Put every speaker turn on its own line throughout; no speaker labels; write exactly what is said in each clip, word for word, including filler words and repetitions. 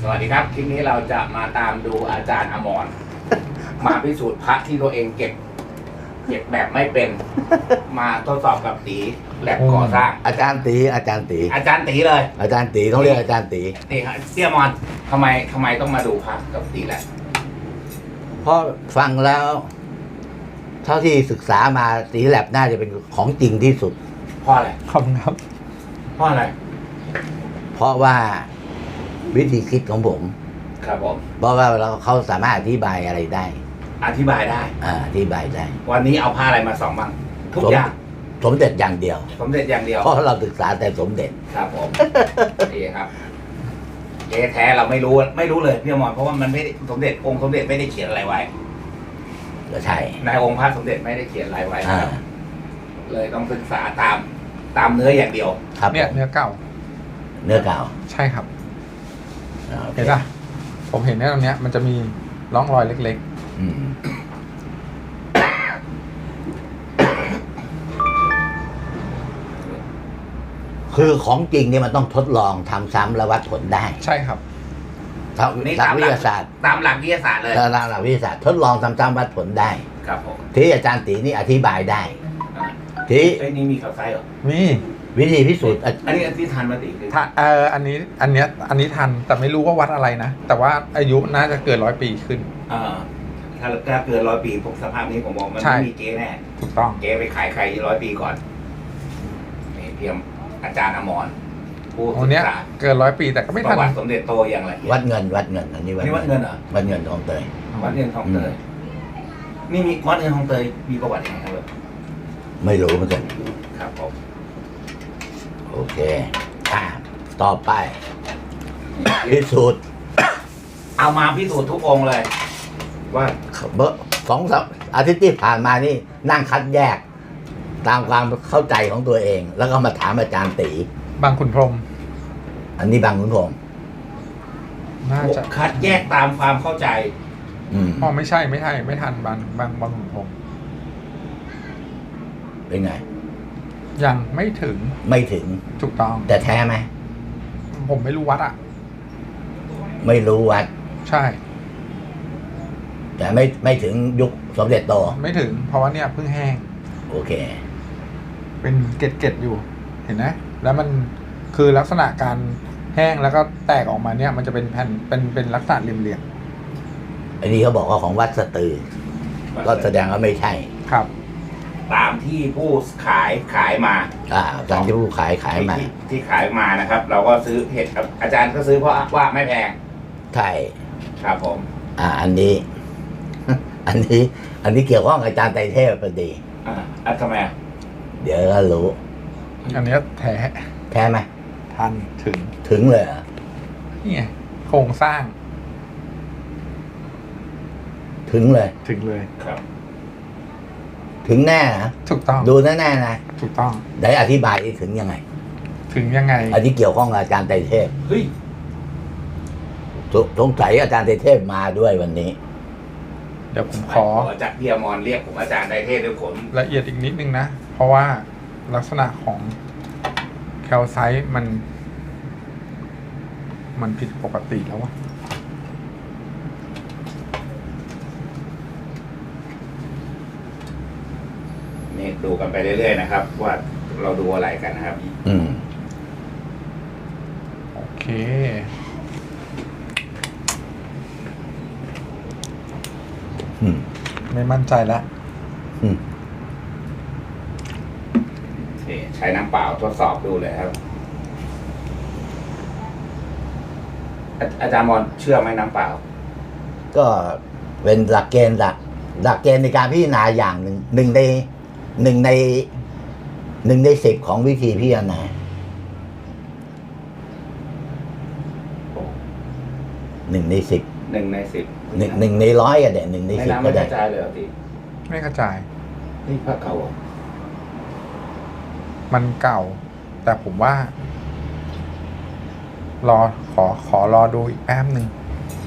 วัสดีครับคลิปนี้เราจะมาตามดูอาจารย์อมรมาพิสูจน์พระที่ตัวเองเก็บเก็บแบบไม่เป็นมาทดสอบกับตีแลบก่อสร้าง
อาจารย์ตีอาจารย์ตี
อาจารย์ตีเลย
อาจารย์ตีต้องเรียกอาจารย์ตี
นี่ครับเสี่ยมอนทำไมทำไมต้องมาดูพระกับตีแลบ
เพราะฟังแล้ว เท่าที่ศึกษามาตีแลบน่าจะเป็นของจริงที่สุด
เพราะอะไร
ขอบคุณครับ
เพราะอะไร
เพราะว่าวิธีคิดของผม
ครับผม
เพราะว่าเราเขาสามารถอธิบายอะไรได้
อธิบายได้
อ่าอธิบายได้
วันนี้เอาผ้าอะไรมาส่องบ้างทุก
สม
อย่าง
สมเด็จอย่างเดียว
สมเด็จอย่างเดียว
เพราะเราศึกษาแต่สมเด็จ
ครับผม นี่ครับเจ๊แท้เราไม่รู้ไม่รู้เลยพี่อมรเพราะว่ามันไม่ได้สมเด็จองค์สมเด็จไม่ได้เขียนอะไรไว้
ก็ใช่
ในองค์พระสมเด็จไม่ได้เขียนอะไรไว้
อ่า
ครับเลยต้องศึกษาตามตามเนื้ออย่างเดียว
ครับ
เนี่ย
ผม
เนื้อเก่า
เนื้อเก่า
ใช่ครับ
อ่าโอค
เห็นป่ะผมเห็นเนี่ยตรงเนี้ยมันจะมีร่องรอยเล็ก
อืมคือของจริงเนี่ยมันต้องทดลองทำซ้ำและวัดผลได้
ๆ ใช่ครับ
ทาง
นี่
ทาง
ตาม
วิ
ห
ท
ลัก
ยาศาสตร์
ตามหลักวิทยาศาสตร์เลย
ทางหลักวิทยาศาสตร์ทดลองทำซ้ำวัดผลได้
ครับผม
ที่อาจารย์ตีนี่อธิบายได้
อ่า
ที่
ไอ้ยนี่มีข่าวไส้เหรอ
มี
วิธีพิสูจน์อ่ะ
อันนี้อันที่ทันมาติคือ
ถ้าเอออันนี้อันเนี้ยอันนี้ทันแต่ไม่รู้ว่าวัดอะไรนะ แต่ว่าอายุน่าจะเกินร้อยปีขึ้น
อ่าถ้าถ้าเกินร้อยปีผมสภาพนี้ผมบอกมัน
ใช่
ไม่มีเก๊แน่
ถูกต้อง
เก๊ไปขายใครร้อยปีก่อนนี่เพียมอาจารย์อมรผู้
โอ้
ศึ
เนี้ย
กษา
เกินร้อยปีแต่ก็ไม่
ป
ทัน
ระวัติสมเด็จโตอย่างไร
วัดเงินวัดเงินอันนี้วัด
นี่วัดเงินเหรอ
วัดเงินทองเตย
วัดเงินทองเตยนี่มีวัดเงินทองเตยมีประวัติยังไงครับ
ไม่รู้เหมือนกัน
ครับผม
โอเคอ่ะต่อไปพิสูจน์
เอามาพิสูจน์ทุกองค์เลย ว่า
เบอร์สองสัปอาทิตย์ที่ผ่านมานี่นั่งคัดแยก ตามความเข้าใจของตัวเอง แล้วก็มาถามอาจารย์ตี
บางขุนพรหม
อันนี้บางขุนพรหม
น่าจะ
คัดแยกตามความเข้าใจ
อืม
อ๋อไม่ใช่ไม่ใช่ไม่ทันบางบางบางขุนพรหม
เป็นไง
ยังไม่ถึง
ไม่ถึง
ถูกต้อง
แต่แท้ไหม
ผมไม่รู้วัดอ่ะ
ไม่รู้วัด
ใช่
แต่ไม่ไม่ถึงยุคสมเด็จโต
ไม่ถึงเพราะว่าเนี่ยเพิ่งแห้ง
โอเค
เป็นเกล็ดๆอยู่ เห็นไหมแล้วมันคือลักษณะการแห้งแล้วก็แตกออกมาเนี่ย มันจะเป็นแผ่นเป็นเป็นลักษณะเหลี่ยม
อันนี้เขาบอกว่าของวัดสตือ ก็แสดงว่าไม่ใช่
ๆครับ
ตามที่ผู้ขายขายมา
อ่าตามที่ผู้ขายขายมา
ที่ที่ขายมานะครับ เราก็ซื้อเห็ดครับอาจารย์ก็ซื้อเพราะว่าไม่แพง
ใช่
ครับผม
อ่า อันนี้ อันนี้ อันนี้เกี่ยวข้องกับอาจารย์ไตรเทพพอดี
อ่าอ่ะทำไมอ่ะ
เดี๋ยวก็รู้
อันเนี้ยแท้
แท้ไหม
ทันถึง
ถึงเลยเหรอ
นี่ไงโครงสร้าง
ถึงเลย
ถึงเลย
ครับ
ถึงแน่นะ
ถูกต้อง
ดูแน่ๆนะ
ถูกต้อง
ได้อธิบายถึงยังไง
ถึงยังไง
อันนี้เกี่ยวข้องกับอาจารย์ไตรเทพ
เฮ้ย
สสงสัยอาจารย์ไตรเทพมาด้วยวันนี้
เดี๋ยวผมขอ
ขอจากพี่อมรเรียกผมอาจารย์ไตรเทพด้วยผม
ละเอียดอีกนิดนึงนะ เพราะว่าลักษณะของแคลไซต์มัน มันผิดปกติแล้ววะ
นี่ดูกันไปเรื่อยๆนะครับ ว่าเราดูอะไรกันนะครับ
อืม
โอเค
อืม
ไม่มั่นใจแล้ว
อืม
นี่ใช้น้ำเปล่าทดสอบดูเลยครับอาอาจารย์มอนเชื่อไหมน้ำเปล่า
ก็เป็นหลักเกณฑ์หลักหลักเกณฑ์ในการพิจารณาอย่างหนึ่งหนึ่งในหนึ่งในหนึ่งในสิบของวิธีพิจารณาหนึ่งในสิบ
หนึ่งในสิบ
หนึ่งหนึ่งในร้อยก็ได้หนึ่งใน
ใน
สิบ
น้ำ
ก็
ไม่ก
ได้
ระจายเลยเหรอตี
ไม่กระจาย
นี่พระเก่าเหรอ
มันเก่า แต่ผมว่า รอขอขอรอดูอีกแป๊บหนึ่ง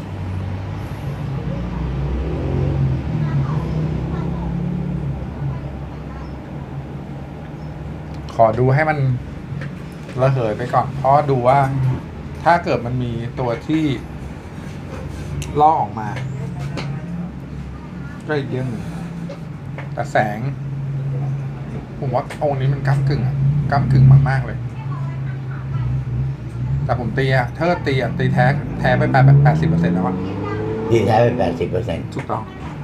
ขอดูให้มันระเหยไปก่อน เพราะดูว่าถ้าเกิดมันมีตัวที่ลอกออกมา ก็อีกเรื่องหนึ่งแต่แสง ผมว่าองค์นี้มันก้ำกึ่งอะก้ำกึ่งมากๆเลย แต่ผมตีอะถ้าตีอะตีแท้แท้ไปแปดแปดสิบเปอร์เซ็นต์แล้วอะ
ที่แท้ไปแปดสิบเปอร์เซ็นต์
ถูกต้อง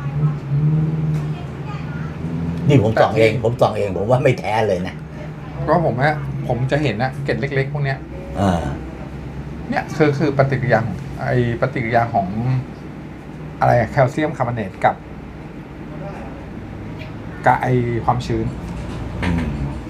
นี่ผมส่องเอง ผมส่องเองผมว่าไม่แท้เลยนะ
ก็ผมว่าผมจะเห็นนะเกล็ดเล็กๆพวกเนี้ย
อ่า
เนี่ยคือคือปฏิกิริยาของไอปฏิกิริยาของอะไรอะแคลเซียมคาร์บอเนตกับกับไอความชื้น
อืม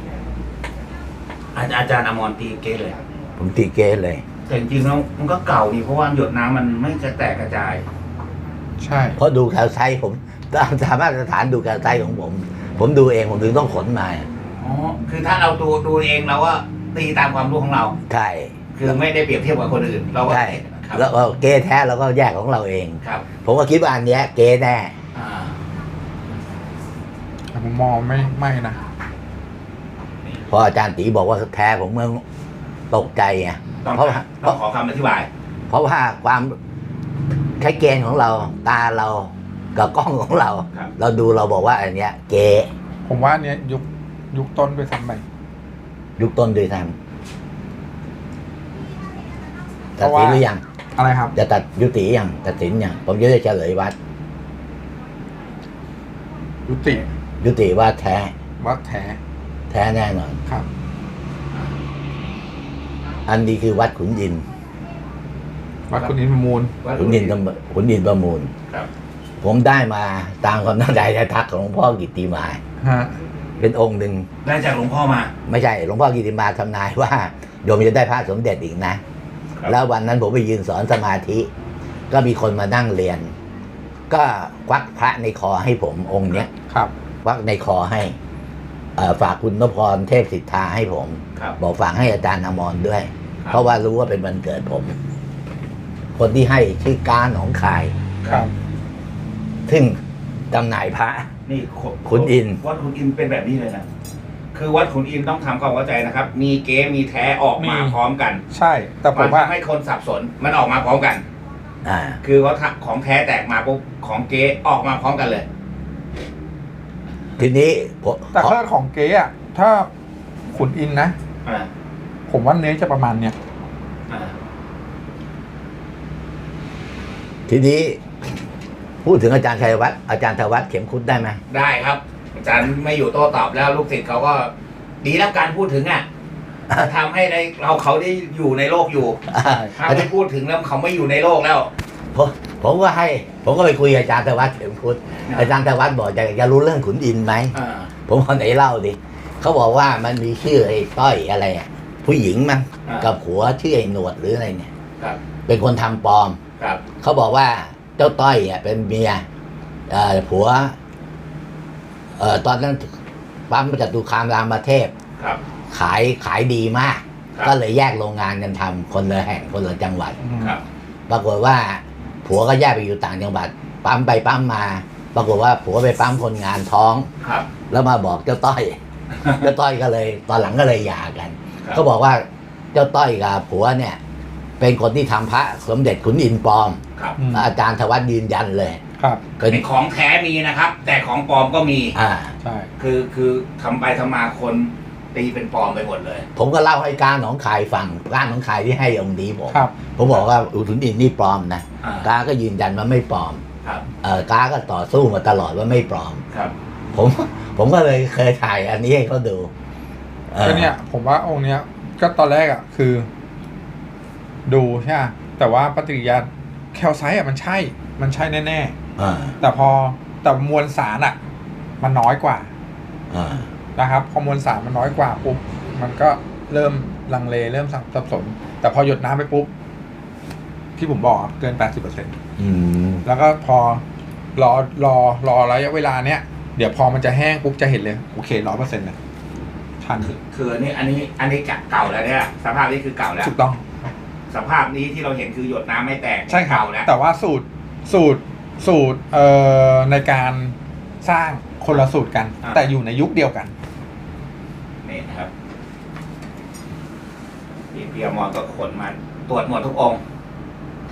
อาอาจารย์อมรตีเกเลย
ผมตีเกสเลย
แต่จริงๆแล้วมันก็เก่าดีเพราะว่าหยดน้ำมันไม่จะแตกกระจาย
ใช่
เพราะดูแคลไซต์ผมตามสามารถสถานดูแคลไซต์ของผม ผมดูเองผมถึงต้องขนมา
อ๋อ คือถ้าเราดูดูเองเราก็ตีตามความรู้ของเรา
ใช่
คือไม่ได้เปรียบเทียบกับคนอื่น เราก็
ใช่
ครับ
แล้วก็เกสแท้เราก็แยกของเราเอง
ครับ
ผมก็คิดว่าอันเนี้ยเกสแน่
อ่า
แต่ผมมองไม่ไม่นะ
พออาจารย์ตีบอกว่าแท้ผมเมื่อตกใจไง
ต้อง
เพราะว่า
ต้องขอคำอธิบาย
เพราะว่าความใช้เกณฑ์ของเราตาเรากับกล้องของเรา
ครับ
เราดูเราบอกว่าอันเนี้ย เก
ผมว่าอันเนี้ยยุคยุคต้นไปซ้ำไป
ยุคต้นด้วยซ้ำตัดสินหรือยัง
อะไรครับ
จะตัดยุติยังตัดสินยังผมจะได้เฉลยวัด
ยุติ
ยุติว่าแท้
วัดแท้
แท้แน่นอน
ครับ
อันนี้คือวัดขุนยิน
วัดคุณอินทร์มูล
ขุนยินประขุนยินประมูล
ครับ
ผมได้มาตามความตั้งใจและทักของหลวงพ่อกิตติมา
ฮะ
เป็นองค์หนึ่ง
ได้จากหลวงพ่อมา
ไม่ใช่หลวงพ่อกิติมาทำนายว่าโยมจะได้พระสมเด็จอีกนะ
ครับ
แล้ววันนั้นผมไปยืนสอนสมาธิ ก็มีคนมานั่งเรียน ก็ควักพระในคอให้ผมองค์เนี้ย
ครับ
ควักในคอให้เอ่อฝากคุณนพพรเทพสิทธาให้ผม
ครับ
บอกฝากให้อาจารย์อมรด้วย
ครับ
เพราะว่ารู้ว่าเป็นวันเกิดผม คนที่ให้ชื่อการหนองคาย
ครับ
ซึ่งจำหน่ายพระ
นี่
ขุนอินทร์
วัดขุนอินทร์เป็นแบบนี้เลยนะ คือวัดขุนอินทร์ต้องทำความเข้าใจนะครับ มีเก๊มีแท้ออกมาพร้อมกัน
ใช่ แต่ผ
มัน
มว่า
ทำให้คนสับสน มันออกมาพร้อมกัน
อ่า
คือว่าถ้าของแท้แตกมาปุ๊บของเก๊ออกมาพร้อมกันเลย
ทีนี้ผม
แต่ถ้าของเก๊อะถ้าขุนอินทร์นะ
อ่า
ผมว่าเนื้อจะประมาณเนี้ย
อ่า
ทีนี้ พูดถึงอาจารย์ชัยวัฒน์อาจารย์ธวัฒน์เข็มคุดได้ไหม
ได้ครับ อาจารย์ไม่อยู่โต้ตอบแล้วลูกศิษย์เขาก็ดีแล้วการพูดถึงอ่ะทำให้ได้เราเขาได้อยู่ในโลกอยู่ ถ้า
อาจา
ไม่
รย์
พูดถึงแล้วเขาไม่อยู่ในโลกแล้ว
ผมผมก็ให้ ผมก็ไปคุยกับอาจารย์ธวัฒน์เข็มคุด
อ่า
อาจารย์ธวัฒน์บอกอยากจะรู้เรื่องขุนอินทร์ไหม
อ่า
ผมเอาไหนเล่าดิเขาบอกว่ามันมีชื่อไอ้ต้อยอะไรอ่ะผู้หญิงมั้ง
อ่า
กับผัวชื่อไอ้หนวดหรืออะไรเนี่ย
ครับ
เป็นคนทำปลอม
ครับ
เขาบอกว่าเจ้าต้อยอ่ะเป็นเมียเอ่อผัว เอ่อตอนนั้นปั๊มจตุคามรามเทพ
ครับ
ขายขายดีมาก
ครับ
ก็เลยแยกโรงงานกันทำคนละแห่งคนละจังหวัด
ครับ
ปรากฏว่าผัวก็แยกไปอยู่ต่างจังหวัด ปั๊มไปปั๊มมา ปรากฏว่าผัวไปปั๊มคนงานท้อง
ครับ
แล้วมาบอกเจ้าต้อย เจ้าต้อยก็เลย ตอนหลังก็เลยหย่ากัน
ครับ
เขาบอกว่าเจ้าต้อยกับผัวเนี่ย เป็นคนที่ทำพระสมเด็จขุนอินทร์ปลอม
ครับ
อืม
อาจารย์ธวัฒน์ยืนยันเลย
ครับ
ก็
ไอ้ของแท้มีนะครับ แต่ของปลอมก็มี
อ่า
ใช่
คือคือทำไปทำมาคนตีเป็นปลอมไปหมดเลย
ผมก็เล่าให้การหนองคายฟังการหนองคายที่ให้องค์นี้ผม
ครับ
ผมบอกว่าอุทุนอินทร์นี่ปลอมนะ
อ่า
กาก็ยืนยันว่าไม่ปลอม
ครับ
เออกาก็ต่อสู้มาตลอดว่าไม่ปลอม
ครับ
ผม ผมก็เลยเคยถ่ายอันนี้ให้เขาดูออ
ก็เนี่ย ผมว่าองค์เนี้ย ก็ตอนแรกอ่ะ คือ ดูใช่ไหมแต่ว่าปฏิกิริยาแคลไซต์อ่ะมันใช่ มันใช่แน่
อ่า
ๆแต่พอแต่มวลสารอ่ะ มันน้อยกว่า
อ่า
นะครับพอมวลสารมันน้อยกว่าปุ๊บมันก็เริ่มลังเลเริ่มสับสน แต่พอหยดน้ำไปปุ๊บที่ผมบอกอะเกิน แปดสิบเปอร์เซ็นต์
อืม
แล้วก็พอรอรอรอระยะเวลาเนี้ยเดี๋ยวพอมันจะแห้งปุ๊บจะเห็นเลยโอเคร้อยเปอร์เซ็นต์เลยทัน
คืออันนี้อันนี้อันนี้เก่าแล้วเนี่ยสภาพนี้คือเก่าแล้ว
ถูกต้อง
สภาพนี้ที่เราเห็นคือหยดน้ำไม่แตก
ใช่ครับ
เก่าแล้ว
แต่ว่าสูตรสูตรสูตรเอ่อในการสร้างคนละสูตรกัน แต่อยู่ในยุคเดียวกัน
นี่นะครับพี่พี่อมรก็ขนมาตรวจหมดทุกองค์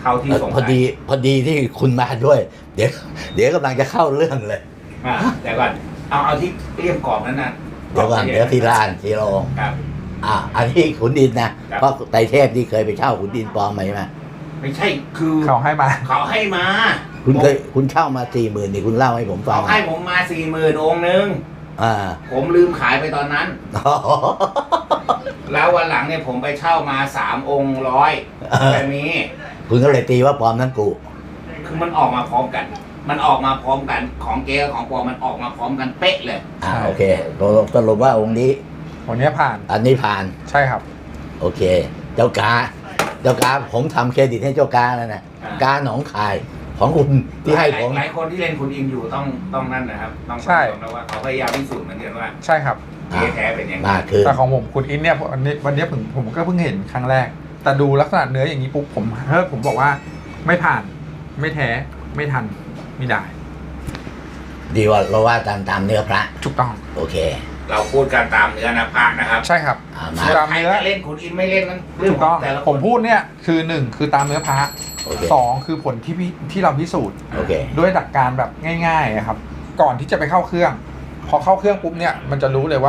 เท่าที่สง
พอ
สัย
ดีพอดีที่คุณมาด้วย เดี๋ยว เดี๋ยวกำลังจะเข้าเรื่องเลย
อ่าแต่ก่อนเอาเอาที่เลี่ยมกรอบนั้นนะ
เดี๋ยวก่อนเดี๋ยวทีละอันทีละองค์
ครับ
อ่า อันนี้ขุนดินนะครับ เพราะไตรเทพที่เคยไปเช่าขุนดินปลอมมาใช่ไหม
ไม่ใช่คือ
เขาให้มา
เขาให้มา
คุณเคยคุณเช่ามาสี่หมื่นนี่คุณเล่าให้ผมฟั
เขา
ง
ให้ผมมาสี่หมื่นองค์นึง
อ่า
ผมลืมขายไปตอนนั้น แล้ววันหลังเนี่ยผมไปเช่ามาสามองค์ร้อยแบบนี้
คุณก็เลยตีว่าปลอมทั้งกู
คือมันออกมาพร้อมกัน มันออกมาพร้อมกันของเก๊กับของปลอมมันออกมาพร้อมกันเป๊ะเลย
อ่าโอเคสรุปว่าองค์นี้
วันนี้ผ่าน
อันนี้ผ่าน
ใช่ครับ
โอเค เจ้ากา เจ้ากาผมทำเครดิตให้เจ้ากาแล้วนะ
อ่า
กาหนองคาย ของคุณที่ให้ผม
หลายคนที่เล่นคุณอินอยู่ต้องต้องนั่นนะครับ ต้อง
ใช่
ยอมรับว่าเขาพยายามพิสูจน์เหมือนกันว่า
ใช่ครับ
เก๊แท้เป็นยังไง
มาคือ
แต่ของผมคุณอินเนี่ยวันนี้วันนี้ผมผมก็เพิ่งเห็นครั้งแรก แต่ดูลักษณะเนื้ออย่างนี้ปุ๊บผมเฮ้ยผมบอกว่าไม่ผ่าน ไม่แท้ ไม่ทัน ไม่ได้
ดีว่าเราว่าตามตามเนื้อพระ
ถูกต้อง
โอเค
เราพูดกันตามเนื้อนะภาคนะครับ
ใช่ครับ
อ่ามา
ตาม
ใคร
เนื้อ
จะเล่นคุณอินไม่เล่นนั้นเรื่อ
ถู
ง
ก
ข
ต้
อ
อง ง
แต่ละค
ผม
น
พูดเนี่ยคือหนึ่งคือตามเนื้อพระ
โอเค
สองคือผลที่พี่ที่เราพิสูจน์
โอเค
ด้วยหลักการแบบง่ายๆอะครับ ก่อนที่จะไปเข้าเครื่อง พอเข้าเครื่องปุ๊บเนี่ยมันจะรู้เลยว่า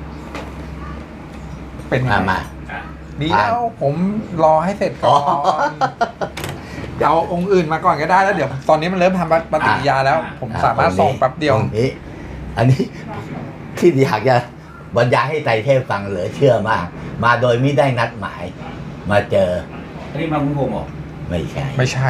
เป็นยัง
มา
ไง
มา
อ่ะ
ดีแล้วผมรอให้เสร็จก่
อ๋
อ
อ
นเอาองค์อื่นมาก่อนก็ได้แล้วเดี๋ยวตอนนี้มันเริ่มทำปฏิกิริยาแล้ว ผมสามารถส่งแป๊บเดียว
องค์นี้ อันนี้ที่อยากจะบรรยายให้ไตรเทพฟังเหลือเชื่อมาก มาโดยไม่ได้นัดหมาย มาเจอ
อันนี้มาคุณผมเหรอ
ไม่ใช่
ไม่ใช่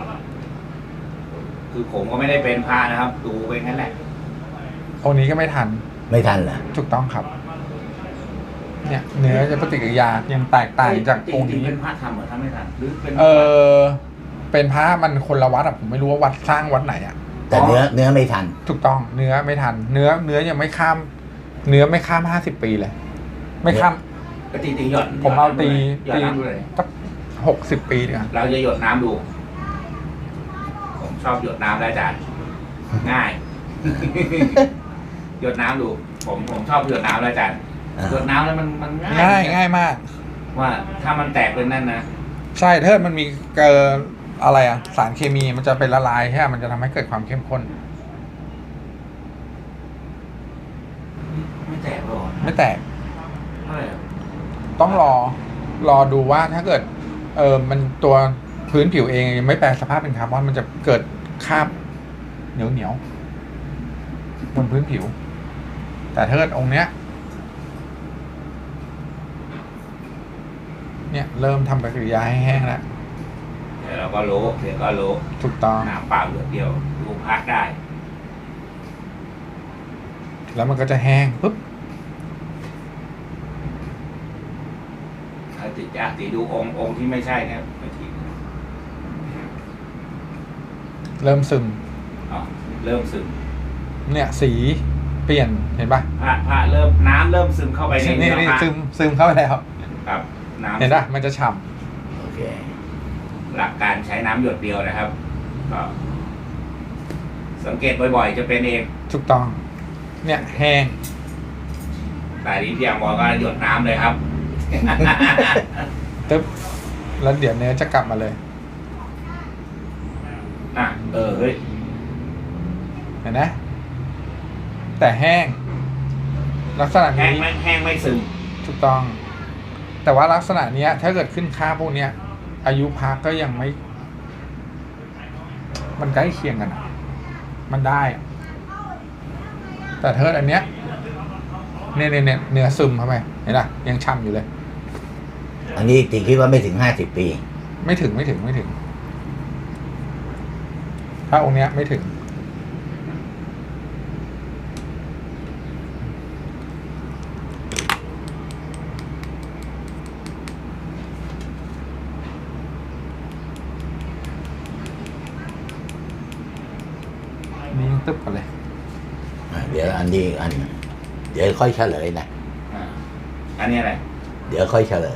คือผมก็ไม่ได้เป็นพระนะครับ ดูไปงั้นแหละ
องค์นี้ก็ไม่ทัน
ไม่ทันเหรอ
ถูกต้องครับ เนี่ยเนื้อจะปฏิกิริยายังแตกต่างจากองค์
จริง
นี้
ๆเป็นพระทำเหรอทำไม่ทันหรือเป็น
เออเป็นพระมันคนละวัดอะผมไม่รู้ว่าวัดสร้างวัดไหนอะ
แต่เนื้อเนื้อไม่ทัน
ถูกต้องเนื้อไม่ทัน เนื้อเนื้อยังไม่ข้าม เนื้อไม่ข้ามห้าสิบปีเลย ไม่ข้าม
ก็ตีตีหยด
ผมเอาตี
หยด
ตี
น้ำดูเลย
สักหกสิบปีดีกว่า
เราจะหยดน้ำดู ผมชอบหยดน้ำแล้วอาจารย์ง่าย หยดน้ำดู ผมผมชอบหยดน้ำแล้วอาจารย์
อ่า
หยดน้ำแล้วมันมันง่าย
ง่ายง่ายมาก
ว่าถ้ามันแตกเป็นนั่นนะ
ใช่ถ้ามันมีเกินอะไรอะสารเคมีมันจะเป็นละลายใช่ไหมมันจะทำให้เกิดความเข้มข้น
ไม่แตกหรอก
ไม่แตก
เท่าไหร่อะ
ต้องรอรอดูว่าถ้าเกิด เออมันตัวพื้นผิวเองยังไม่แปลสภาพเป็นคาร์บอนมันจะเกิดคราบเหนียวเหนียวบนพื้นผิว แต่ถ้าเกิดองค์เนี้ย เนี่ยเริ่มทำปฏิกิริยาให้แห้งแล้ว
เดี๋ยวเราก็รู้เดี๋ยวก็รู้
ถูกต้อง
น้ำเปล่าหยดเดียวดูพักได้
แล้วมันก็จะแห้งปุ๊บ
ถ้าติดยากติดดูองค์องค์ที่ไม่ใช่เนี่ยไม่ที
เริ่มซึม
อ๋อเริ่มซึม
เนี่ยสีเปลี่ยนเห็นปะ
พระพระเริ่มน้ำเริ่มซึมเข้าไปใน
นี่
เนื้อ
นี่
พระ
ซึมซึมเข้าไปแล้ว
ครับน้ำ
เห็นปะมันจะฉ่
โอเค
หลักการใช้น้ำหยดเดียวนะครับ ก็ สังเกตบ่อยๆ จะเป็นเอง
ำถูกต้อง เนี่ยแห้ง
แต่นี้พี่ยามบอกก็หยดน้ำเลยครับ
ตึ๊บแล้วเดี๋ยวเนื้อจะกลับมาเลย
อ่ะเออเฮ้ย
เห็นไหมแต่แห้ง ลักษณะ
แห้ง
นี้
ไม่แห้งไม่ซึม
ถูกต้อง แต่ว่าลักษณะเนี้ย ถ้าเกิดขึ้นค่าพวกเนี้ย อายุพักก็ยังไม่ มันใกล้เคียงกันอะมันได้อะแต่เธออันเนี้ยเนี่ยเนี่ยเนี่ยเนื้อซึมเข้าไปเห็นปะยังช่ำอยู่เลย
อันนี้ตีคิดว่าไม่ถึงห้าสิบปี
ไม่ถึงไม่ถึงไม่ถึง ถ้าองค์เนี้ยไม่ถึง นี่ยังตึ๊บกันเลย
อ่ะเดี๋ยวอันนี้อีกอัน เดี๋ยวค่อยเฉลยนะ
อ่าอันนี้อะไร
เดี๋ยวค่อยเฉลย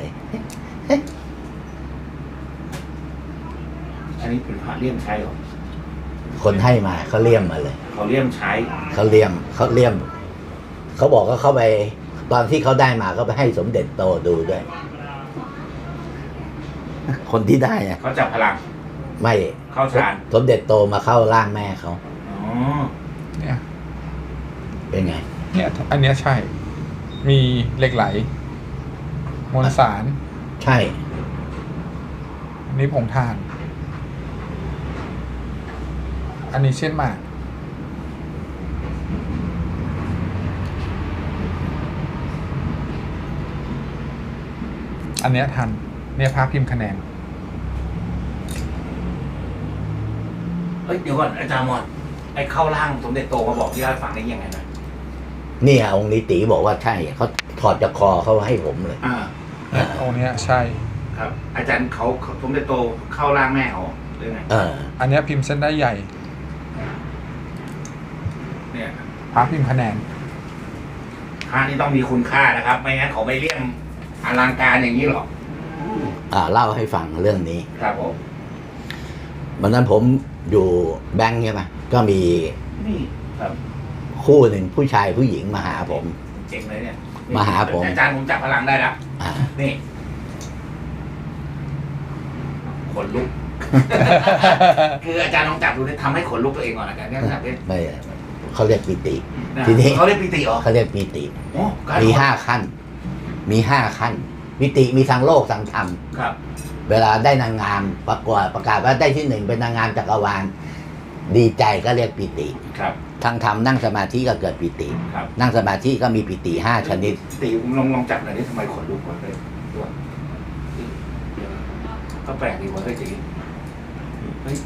อันนี้เป็นพระเลี่ยมใช้เหรอ
คนให้มาเขาเลี่ยมมาเลย
เขาเลี่ยมใช้
เขาเลี่ยมเขาเลี่ยม เขาบอกว่าเขาไป ตอนที่เขาได้มาเขาไปให้สมเด็จโตดูด้วย คนที่ได้อะ
เขาจับพลัง
เไม่
เข้าฌาน
สมเด็จโตมาเข้าร่างแม่เขา
อ๋อ
เนี่ย
เป็นไง
เนี่ยอันเนี้ยใช่ มีเหล็กไหลมวลสาร
ใช่
อันนี้ผงถ่าน อันนี้เช่นหมากอันเนี้ยทัน เนี่ยภาพพิมพ์คะแนน
เฮ้ยเดี๋ยวก่อนอาจารย์มอนไอ้เข้าร่างสมเด็จโตมาบอกที่เล่าให้ฟังได้ยังไงนะ
นี่องค์นี้ตีบอกว่าใช่เขาถอดจากคอเขาให้ผมเลย
อ่า
เนี่ยองค์เนี้ยใช่
ครับ อาจารย์เขาสมเด็จโตเข้าร่างแม่เขาหรือไง
เออ
อันเนี้ยพิมพ์เส้นได้ใหญ่
เนี่ย
ภาพพิมพ์คะแนน
พระนี่ต้องมีคุณค่านะครับ ไม่งั้นเขาไม่เลี่ยมอลังการอย่างนี้หรอก
อ่าเล่าให้ฟังเรื่องนี้
ครับผม
วันนั้นผมอยู่แบงค์ใช่ไหมก็มี
นี่ครับ
คู่หนึ่งผู้ชายผู้หญิงมาหาผม
เจ๋งเลยเนี่ย
มาหาผม
อาจารย์ผมจับพลังได้แล้ว
อ่า
นี่ขนลุก คืออาจารย์ลองจับดูเนี่ยทำให้ขนลุกตัวเองก่อนอาจารย์เนี่ยจับเนี่ย
ไม่เขาเรียกปีติ
นะ
ทีนี้
เขาเรียกปีติเหรอ
เขาเรียกปีติ
โอ้การ
มีห้าขั้น มีห้าขั้นปีติมีทางโลกทางธรรม
ครับ
เวลาได้นางงามประกวดประกาศว่าได้ที่หนึ่งเป็นนางงามจักรวาลดีใจก็เรียกปีติ
ครับ
ทางธรรมนั่งสมาธิก็เกิดปีติ
ครับ
นั่งสมาธิก็มีปีติห้าชนิด
ตีผมลองลองจับหน่อยนี่ทำไมขนลุกวะเลยตัวก็แปลกดีวะเฮ้ยจีเฮ้ย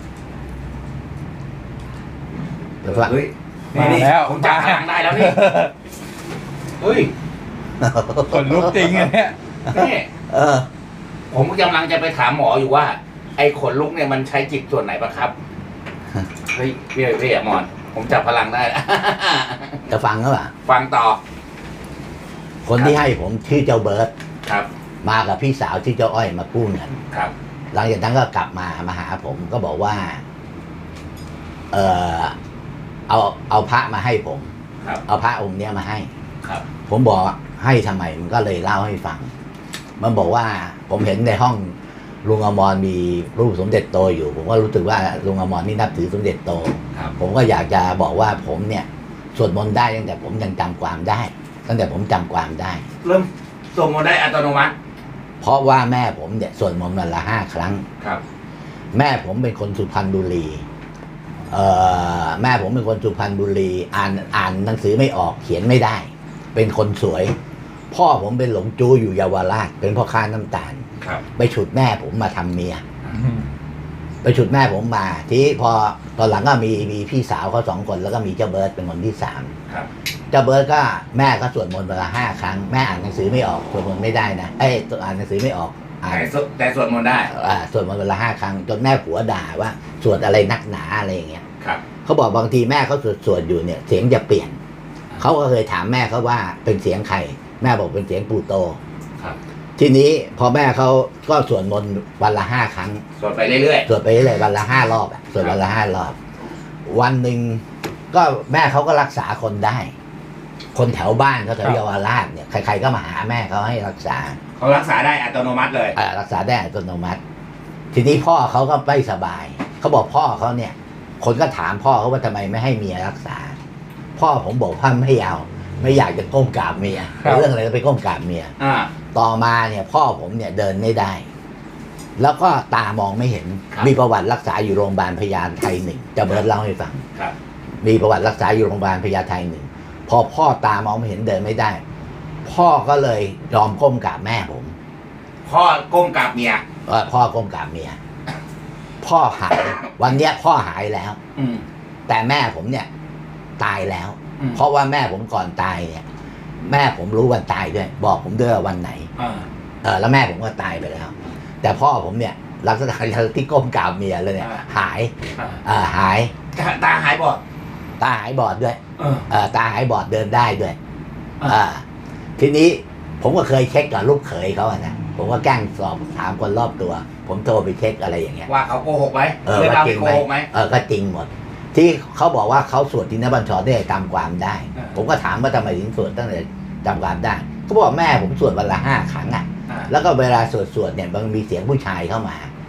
เดี๋ยวฟัง
เฮ้ย
มา
นี่
แล้ว
ผมจับพลังได้แล้วนี่เฮ้ย
คนลุกจริงอันเนี้ย
นี่
เออ
ผมกำลังจะไปถามหมออยู่ว่า ไอ้ขนลุกเนี่ยมันใช้จิตส่วนไหนปะครับเฮ้ยพี่พี่อะมอน ผมจับพลังได้แล้ว
จะฟังก็ป่ะ
ฟังต่อ
คนที่ให้ผมชื่อเจ้าเบิร์ต
ครับ
มากับพี่สาวที่เจ้าอ้อยมากู้เงิน
ครับ
หลังจากนั้นก็กลับมามาหาผมก็บอกว่า เออเอาเอาพระมาให้ผม
ครับ
เอาพระองค์เนี้ยมาให้
ครับ
ผมบอกให้ทำไมมันก็เลยเล่าให้ฟัง มันบอกว่าผมเห็นในห้องลุงอมรมีรูปสมเด็จโตอยู่ ผมก็รู้สึกว่าลุงอมรนี่นับถือสมเด็จโต
ครับ
ผมก็อยากจะบอกว่าผมเนี่ยสวดมนต์ได้ตั้งแต่ผมยังจำความได้ ตั้งแต่ผมจำความได้
เริ่มส่งมาได้อัตโนมัติ
เพราะว่าแม่ผมเนี่ยสวดมนต์วันละห้าครั้ง
ครับ
แม่ผมเป็นคนสุพรรณบุรีเอ่อแม่ผมเป็นคนสุพรรณบุรี อ่านอ่านหนังสือไม่ออกเขียนไม่ได้ เป็นคนสวย พ่อผมเป็นหลงจู้อยู่เยาวราช เป็นพ่อค้าน้ำตาล
ครับ
ไปฉุดแม่ผมมาทำเมีย ไปฉุดแม่ผมมา ที่พอตอนหลังก็มีมีพี่สาวเขาสองคนแล้วก็มีเจ้าเบิร์ตเป็นคนที่สาม
ครับ
เจ้าเบิร์ตก็แม่ก็สวดมนต์วันละห้าครั้งแม่อ่านหนังสือไม่ออกสวดมนต์ไม่ได้นะเอ้ยอ่านหนังสือไม่ออกอ่าน
แต่สวดแต่สวดมนต์ได้
อ่าสวดมนต์วันละห้าครั้งจนแม่ผัวด่าว่าสวดอะไรนักหนาอะไรอย่างเงี้ย
ครับ
เขาบอกบางทีแม่เขาสวดสวดอยู่เนี่ยเสียงจะเปลี่ยนเขาก็เคยถามแม่เขาว่าเป็นเสียงใครแม่บอกเป็นเสียงปู่โต
ครับ
ทีนี้พอแม่เขาก็สวดมนต์วันละห้าครั้ง
สวดไปเรื่อย
สวดไปเรื่อยๆวันละห้ารอบอะสวดวันละห้ารอบ วันหนึ่งก็แม่เขาก็รักษาคนได้ คนแถวบ้านเขาแถวเยาวราชเนี่ยใครๆก็มาหาแม่เขาให้รักษา
ๆเขารักษาได้อัตโนมัติเลย
อ่ารักษาได้อัตโนมัติ ทีนี้พ่อเขาก็ไม่สบายเขาบอกพ่อเขาเนี่ย คนก็ถามพ่อเขาว่าทำไมไม่ให้เมียรักษา พ่อผมบอกว่าไม่เอาไม่อยากจะก้มกราบเมีย
ครับ
เรื่องอะไรก็ไปก้มกราบเมีย
อ่า
ต่อมาเนี่ยพ่อผมเนี่ยเดินไม่ได้ แล้วก็ตามองไม่เห็น
ครับ
มีประวัติรักษาอยู่โรงพยาบาลพญาไทหนึ่งจะเบิร์ดเล่าให้ฟัง
ครับ
มีประวัติรักษาอยู่โรงพยาบาลพญาไทหนึ่งพอพ่อตามองไม่เห็นเดินไม่ได้ พ่อก็เลยยอมก้มกราบแม่ผม
พ่อก้มกราบเมีย
เออพ่อก้มกราบเมีย พ่อหายวันเนี้ยพ่อหายแล้ว
อืม
แต่แม่ผมเนี่ย ตายแล้ว
อืม
เพราะว่าแม่ผมก่อนตายเนี่ย แม่ผมรู้วันตายด้วย บอกผมด้วยว่าวันไหน
อ่า
เออแล้วแม่ผมก็ตายไปแล้ว แต่พ่อผมเนี่ยลักษณะที่ก้มกราบเมียเลยเนี่ย
อ่า
หาย
อ่า
เออหาย
ตาตาหายบอด
ตาหายบอดด้วย
เออ
เออตาหายบอดเดินได้ด้วย
อ่า
อ่าทีนี้ผมก็เคยเช็คกับลูกเขยเขาอะนะผมก็แกล้งสอบถามคนรอบตัว ผมโทรไปเช็คอะไรอย่างเงี้ย
ว่าเขาโกหกไหม
เออ
เรื่อง
ว่า
เรา
จริง
โก
ไหม
หกไหม
เออก็จริงหมด ที่เขาบอกว่าเขาสวดทินบัญชรได้จำความได้
อ่า
ผมก็ถามว่าทำไมถึงสวดตั้งแต่จำความได้เขาบอกแม่ผมสวดวันละห้าครั้งอ่ะ
อ่า
แล้วก็เวลาสวดสวดเนี่ยมันมีเสียงผู้ชายเข้ามา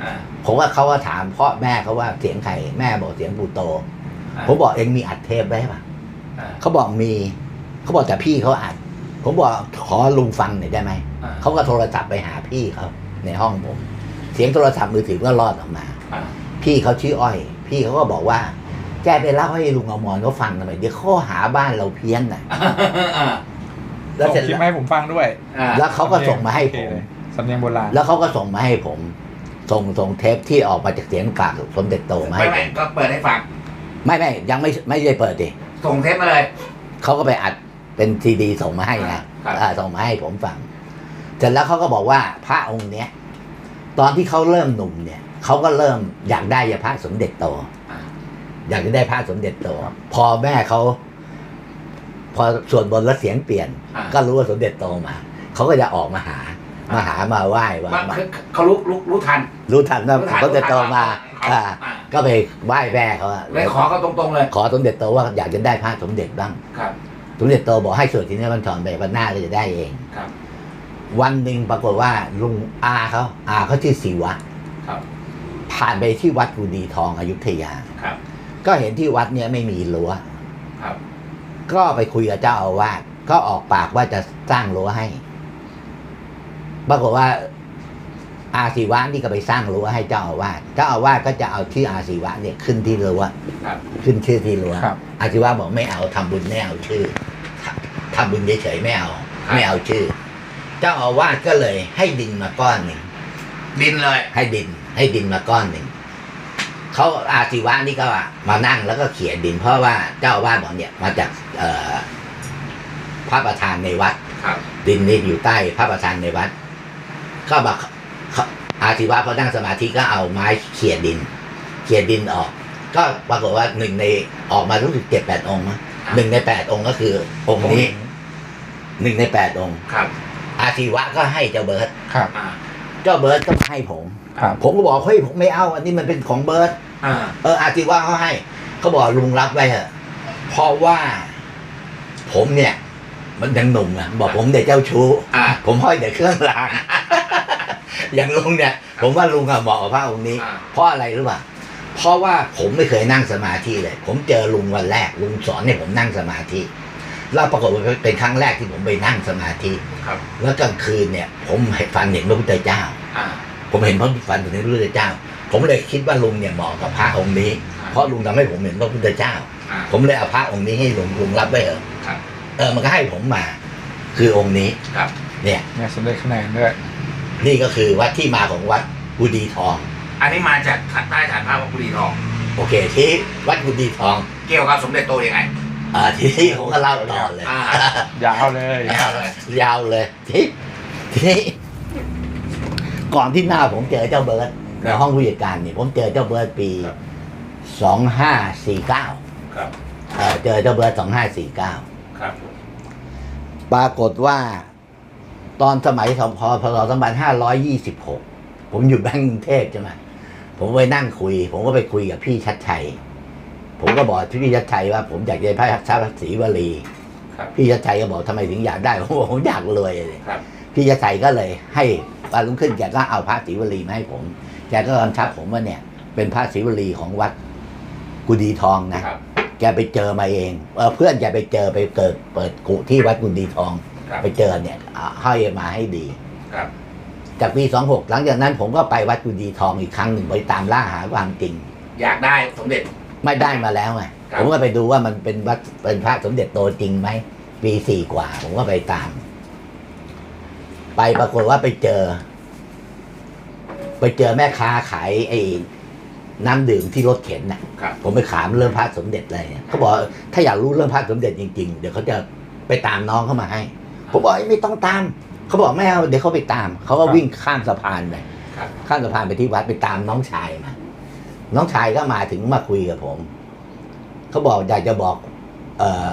อ่า
ผมว่าเขาก็ถามพ่อแม่เขาว่าเสียงใครแม่บอกเสียงปู่โต
อ่า
ผมบอกเองมีอัดเทปไว้ป่ะ
อ่า
เขาบอกมีเขาบอกแต่พี่เขาอัดผมบอกขอลุงฟังหน่อยได้ไหม
อ่า
เขาก็โทรศัพท์ไปหาพี่เขาในห้องผม เสียงโทรศัพท์มือถือก็รอดออกมา
อ่า
พี่เขาชื่ออ้อย พี่เขาก็บอกว่าแกไปเล่าให้ลุงอมรเขาฟังทำไมเดี๋ยวข้อหาบ้านเราเพี้ยนน่ะ
อ่า
แล้ว
ส่ง
เสร็จ
คลิป
แล้ว
มาให้ผมฟังด้วย
อ่า
แล้วเขาก็ส่งมาให้ผม
โอเคเลยสำเนียงโบราณ
แล้วเขาก็ส่งมาให้ผม ส่งส่งเทปที่ออกมาจากเสียงกากสมเด็จโตมา
ไม่
ให้ผ
ไม่
ม
ก็เปิดให้ฟัง
ไม่ไม่ยังไม่ไม่ได้เปิดดิ
ส่งเทปมาเลย
เขาก็ไปอัดเป็นซีดีส่งมาให้นะครับ อ่าส่งมาให้ผมฟังเสร็จแล้วเขาก็บอกว่าพระองค์เนี้ยตอนที่เขาเริ่มหนุ่มเนี่ยเขาก็เริ่มอยากได้ยาพระสมเด็จโต
อ่า
อยากจะได้พระสมเด็จโต พอแม่เขาพอสวดบนต์แล้วเสียงเปลี่ยน
อ่า
ก็รู้ว่าสมเด็จโตมาเขาก็จะออกมาหา
อ่าม
มาหามาไหว้ว่า
ว่า
มา
คือเขารู้รู้รู้ทัน
รู้ทันว่า
รู้ทัน
สมเด็จโตมา
รู้ทัน
อ่า
อ่า
ก็ไปไหว้แม่เขาอะ
เลยขอเขาตรงๆเลย
ขอสมเด็จโตว่าอยากจะได้พระสมเด็จบ้าง
ครับ
สมเด็จโตบอกให้สวดที่นี่วันถอนไปวันหน้าก็จะได้เอง
ครับ
วันหนึ่งปรากฏว่าลุงอาเขาอาเขาชื่อศิวะ
ครับ
ผ่านไปที่วัดกุดีทองอยุธยา
ครับ
ก็เห็นที่วัดเนี่ยไม่มีรั้ว
ครับ
ก็ไปคุยกับเจ้าอาวาสก็ออกปากว่าจะสร้างรั้วให้ ปรากฏว่า อาศิวะนี่ก็ไปสร้างรั้วให้เจ้าอาวาสเจ้าอาวาสก็จะเอาชื่ออาศิวะเนี่ยขึ้นที่รั้ว
ครับ
ขึ้นชื่อที่รั้ว
ครับ
อาศิวะบอกไม่เอาทำบุญไม่เอาชื่อทำบุญเฉยๆไม่เอา ไม่เอาชื่อ เจ้าอาวาสก็เลยให้ดินมาก้อนหนึ่ง
ดินเลย
ให้ดิน ให้ดินมาก้อนหนึ่งเขาอาศิวะนี่ก็มานั่งแล้วก็เขี่ยดิน เพราะว่าเจ้าอาวาสบอกเนี่ยมาจากเอ่อพระประธานในวัด
ครับ
ดินนี่อยู่ใต้พระประธานในวัด ก็บอกเขาอาศิวะเขานั่งสมาธิก็เอาไม้เขี่ยดินเขี่ยดินออก ก็ปรากฏว่าหนึ่งในออกมารู้สึกเจ็ดแปดองค์มั้งหนึ่งในแปดองค์ก็คือองค์นี้หนึ่งในแปดองค์
ครับ
อาศิวะก็ให้เจ้าเบิร์ต
ครับ
อ่า
เจ้าเบิร์ตก็ให้ผม
ครับ
ผมก็บอกเฮ้ยผมไม่เอา อันนี้มันเป็นของเบิร์ต
อ่า
เอออาศิวะเขาให้เขาบอกลุงรับไว้เถอะเพราะว่า ผมเนี่ย มันยังหนุ่มอ่ะบอกผมเด็กเจ้าชู้
อ่า
ผมห้อยแต่เครื่องราง อย่างลุงเนี่ย ผมว่าลุงอะเหมาะกับพระองค์นี้
อ่า
เพราะอะไรรู้ป่ะเพราะว่าผมไม่เคยนั่งสมาธิเลย ผมเจอลุงวันแรกลุงสอนให้ผมนั่งสมาธิแล้วปรากฏว่าเป็นครั้งแรกที่ผมไปนั่งสมาธิ
ครับ
แล้วกลางคืนเนี่ย ผมฝันเห็นพระพุทธเจ้า
อ่า
ผมเห็นพระฝันถึงพระพุทธเจ้า ผมเลยคิดว่าลุงเนี่ยเหมาะกับพระองค์นี้ เพราะลุงทำให้ผมเห็นพระพุทธเจ้า
อ่า
ผมเลยเอาพระองค์นี้ให้ลุงลุงรับไว้เถอะ
ครับ
เออมันก็ให้ผมมา คือองค์นี้
ครับ
เนี่ย
เนี่ยสมเด็จคะแนนด้วย
นี่ก็คือวัดที่มาของวัดกุดีทอง
อันนี้มาจากใต้ฐานพระวัดกุดีทอง
โอเค ที่วัดกุดีทอง
เกี่ยวกับสมเด็จโตยังไง
อ่าที่นี่ผมก็เล่าต่อเลย
อ่า
ยาวเลย
ยาวเลย
ยาวเลยที่ที่นี่ก่อนที่หน้าผมเจอเจ้าเบิร์ตในห้องผู้จัดการเนี่ยผมเจอเจ้าเบิร์ตปีสองห้าสี่เก้า
ครับ
เออเจอเจ้าเบิร์ตสองห้าสี่เก้า
ครับ
ปรากฏว่า ตอนสมัยสพพศสองพันห้าร้อยยี่สิบหกผมอยู่แบงก์กรุงเทพใช่ไหมผมไปนั่งคุย ผมก็ไปคุยกับพี่ชัดชัย ผมก็บอกพี่ชัดชัยว่า ผมอยากได้พระชาติศรีวลี
ครับ
พี่ชัดชัยก็บอกทำไมถึงอยากได้ผมบอกผมอยากรวยเลย
ครับ
พี่ชัดชัยก็เลย ให้วันรุ่งขึ้นแกก็เอาพระศรีวลีมาให้ผม แกก็กำชับผมว่าเนี่ย เป็นพระศรีวลีของวัดกุดีทองนะ
ครับ
แกไปเจอมาเองเออเพื่อนแกไปเจอไปเกิดเปิดกุที่วัดกุดีทอง
ครับ
ไปเจอเนี่ยเอาให้มาให้ดี
ครับ
จากปีสองหกหลังจากนั้นผมก็ไปวัดกุดีทองอีกครั้งหนึ่งไปตามล่าหาความจริง
อยากได้สมเด็จ
ไม่ได้มาแล้วไง
ครับ
ผมก็ไปดูว่ามันเป็นวัดเป็นพระสมเด็จโตจริงไหมปีสี่กว่า ผมก็ไปตาม ไปปรากฏว่าไปเจอ ไปเจอแม่ค้าขายไอ้น้ำดื่มที่รถเข็นน่ะ
ครับ
ผมไปถามเรื่องพระสมเด็จอะไรเนี่ยเขาบอกถ้าอยากรู้เรื่องพระสมเด็จจริงๆเดี๋ยวเขาจะไปตามน้องเข้ามาให้ ผมบอกไม่ต้องตามเขาบอกไม่เอาเดี๋ยวเขาไปตามเขาก็วิ่งข้ามสะพานไป
ครับ
ข้ามสะพานไปที่วัดไปตามน้องชายมา น้องชายก็มาถึงมาคุยกับผม เขาบอกอยากจะบอก เออ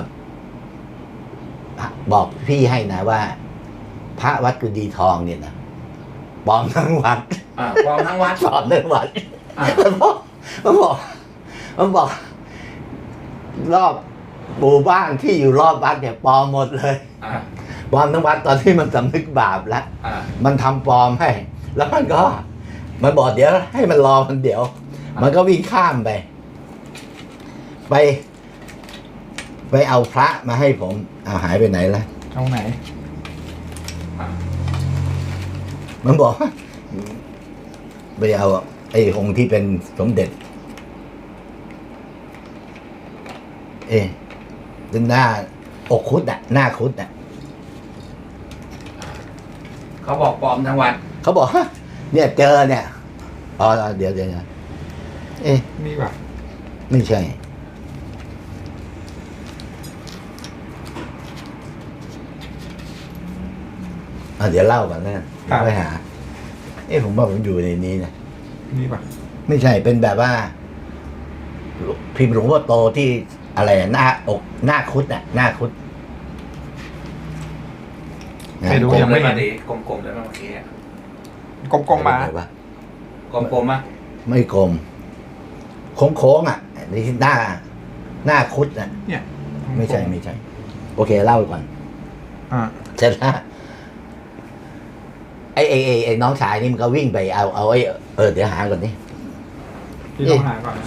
บอกพี่ให้นะว่า พระวัดกุดีทองเนี่ยนะปลอมทั้งวัด
อ่าปลอมทั้งวัด
ปลอมทั้งวัด
อ่า
มันบอกมันบอกมันบอก รอบหมู่บ้านที่อยู่รอบวัดเนี่ยปลอมหมดเลย
อ่า
ปลอมทั้งวัดตอนที่มันสำนึกบาปแล้ว
อ่า
มันทำปลอมให้ แล้วมันก็มันบอกเดี๋ยวให้มันรอมันเดี๋ยว มันก็วิ่งข้ามไป ไป ไปเอาพระมาให้ผมเอาหายไปไหนละ
เอาไหน
มันบอกว่าไปเอาไอ้องค์ที่เป็นสมเด็จ เอ๊ะดึงหน้าอกคุดอ่ะ หน้าคุดอ่ะ
เขาบอกปลอมทั้งวัน
เขาบอกฮะเนี่ยเจอเนี่ยอ๋อเดี๋ยวเดี๋ยวเอ๊ะ
นี่ป่ะ
ไม่ใช่อ่ะเดี๋ยวเล่าก่อนนะไปหา เอ๊ะผมว่าผมอยู่ในนี้นะ
นี่ป่ะ
ไม่ใช่เป็นแบบว่า พิมพ์หลวงพ่อโตที่อะไรอะหน้าอกหน้าคุดน่ะ หน้าคุด
ไม่รู้
กล
ยั
ม
ง
เล
ไม่
ย
เห็
มาน ดิกลมๆเลยมาเมื่อกี้อะ
กลมๆมา
อะไรวะ
กลมๆมา
ไม่กลมโค้งๆอ่ะนี่หน้า หน้าคุดน่ะ
เนี่ย
ไม่ใช่ไม่ใช่ โอเคเล่าก่อน
อ่า
เสร็จแล้วไอ้ไอ้ไอ้ไอ้น้องชายนี่มันก็วิ่งไปเอาเอาไอ้เออเดี๋ยวหาก่อนนี่
พี่ต้องหาก่อนนะ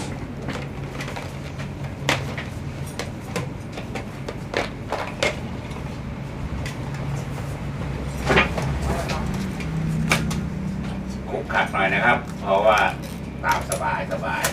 ขบขัดหน่อยนะครับ เพราะว่าตามสบายสบาย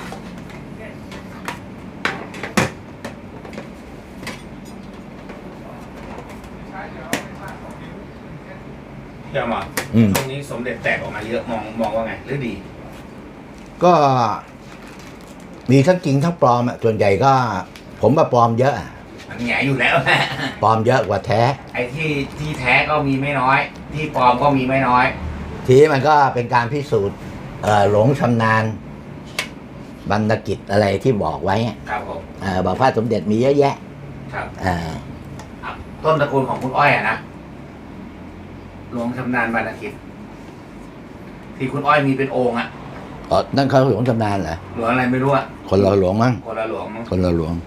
เชื่อมา
อืม
ช่วงนี้สมเด็จแตกออกมาเยอะมองมองว่าไงหรือดี
ก็มีทั้งจริงทั้งปลอมอ่ะส่วนใหญ่ก็ ผมว่าปลอมเยอะอะ
มันแหงอยู่แล้ว
ปลอมเยอะกว่าแท้
ไอ้ที่ที่แท้ก็มีไม่น้อย ที่ปลอมก็มีไม่น้อย
ทีนี้มันก็เป็นการพิสูจน์เอ่อหลงชำนาญบรรณกิจอะไรที่บอกไว้อะ
ครับผม
เอ่อบอกพระสมเด็จมีเยอะแยะ
ครับ
เอ่อ
อ่ะต้นตระกูลของคุณอ้อยอะนะหลวงชำนาญบรรณกิจที่คุณอ้อยมีเป็นองค์อะ
อ๋อนั่นเขาหลวงชำนาญเหรอ
หลวงอะไรไม่รู้อะ
คนเราหลวงมั้ง
คนละหลวงมั้ง
คนเราหลวง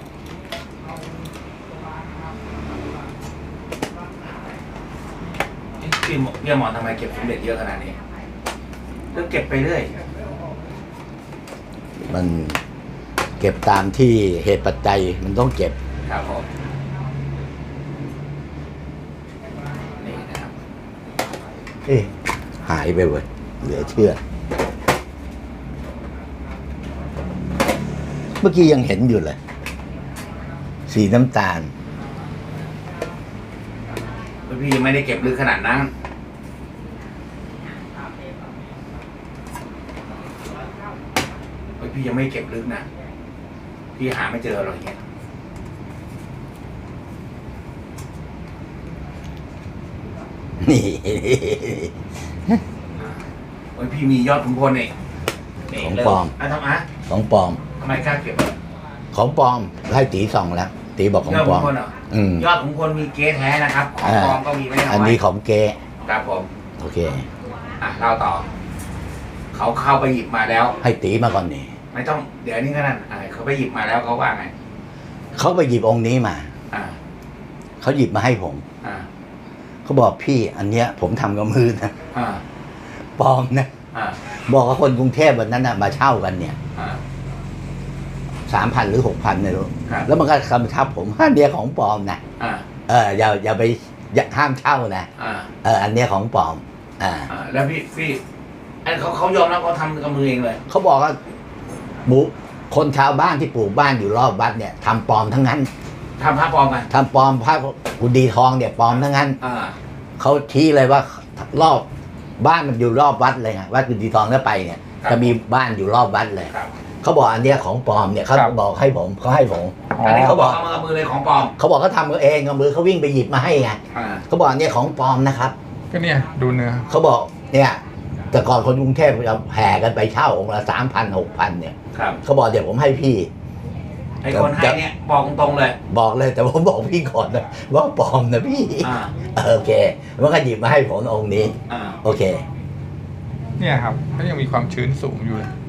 เอ๊ะพี่หมอพี่หมอนทำไมเก็บสมเด็จเยอะขนาดนี้เรื่องเก็บไปเรื่อย
มันเก็บตามที่เหตุปัจจัยมันต้องเก็บ
ครับผมนี่นะครับ
เอ๊ะหายไปเว้ยเหลือเชื่อ เมื่อกี้ยังเห็นอยู่เลย สีน้ำตาล
แล้วพี่ยังไม่ได้เก็บลึกขนาดนั้นเฮ้ยพี่ยังไม่เก็บลึกนะพี่หาไม่เจอหรอกอย่างเงี้ย
นี่
เฮ้ยพี่มียอดขุนพลนี่นี่
ของ
เริ่
ปลอม
อ่ะทำไม
ของปลอม
ทำไมกล้าเก็บอ่ะ
ของปลอมให้ตีส่องแล้ว ตีบอกของ
ยอด
ปล
ขุ
อม
นพลเหรอ
อืม
ยอดขุนพลมีเก๊แท้นะครับ ของปลอมก็มีไม่น้อย
อันนี้ของเก
ครับผม
โอเค
อ่ะเล่าต่อ เขาเข้าไปหยิบมาแล้ว
ให้ตีมาก่อนนี่
ไม่ต้องเดี๋ยวนี้ก็นั่นอ่ะเขาไปหยิบมาแล้วเขาว่าไง
เขาไปหยิบองค์นี้มา
อ่า
เขาหยิบมาให้ผม
อ่า
เขาบอกพี่ อันเนี้ย ผมทำกับมือนะ
อ่า
ปลอมนะ
อ่า
บอกกับคนกรุงเทพวันนั้นนะมาเช่ากันเนี่ย
อ่า
สามพันหรือหกพันไม่รู้
ครับ
แล้วมันก็คำทับผมอันเนี้ยของปลอมนะ
อ่า
เอออย่าอย่าไปอย่าห้ามเช่านะ
อ่า
เอออันเนี้ยของปลอม อ่า
อ่าแล้วพี่พี่ไอ้เขาเขายอมรับเขาทำกับมือเองเลย
เขาบอกว่าหมูคนชาวบ้านที่ปลูกบ้านอยู่รอบวัดเนี่ยทำปลอมทั้งนั้น
ทำพระปลอมกัน
ทำปลอมพระกุดีทองเนี่ยปลอมทั้งนั้น
อ่า
เขาชี้เลยว่ารอบบ้านมันอยู่รอบวัดเลยไงวัดกุดีทองแล้วไปเนี่ย
ครับ
จะมีบ้านอยู่รอบวัดเลย
ครับ
เขาบอกอันเนี้ยของปลอมเนี่ยเขา
ครับ
บอกให้ผมเขาให้ผม
อ๋อ
อันนี้เขาบอกเอามากับมือเลยของปลอม
เขาบอกเขาทำเขาเองกับมือเขาวิ่งไปหยิบมาให้ไง
อ่า
เขาบอกอันเนี้ยของปลอมนะครับ
ก็เนี่ยดูเนื้อ
เขาบอกเนี่ย แต่ก่อนคนกรุงเทพจะแห่กันไปเช่าองค์ละสามพันหกพันเนี่ย
ครับ
เขาบอกเดี๋ยวผมให้พี่
ไอ้คนให้เนี่ยบอกตรงๆเลย
บอกเลยแต่ผมบอกพี่ก่อนนะว่าปลอมนะพี่
อ่า
เออโอเคมันก็หยิบมาให้ผมองค์นี้
อ่า
โอเค
เนี่ยครับก็ยังมีความชื้นสูงอยู่เลย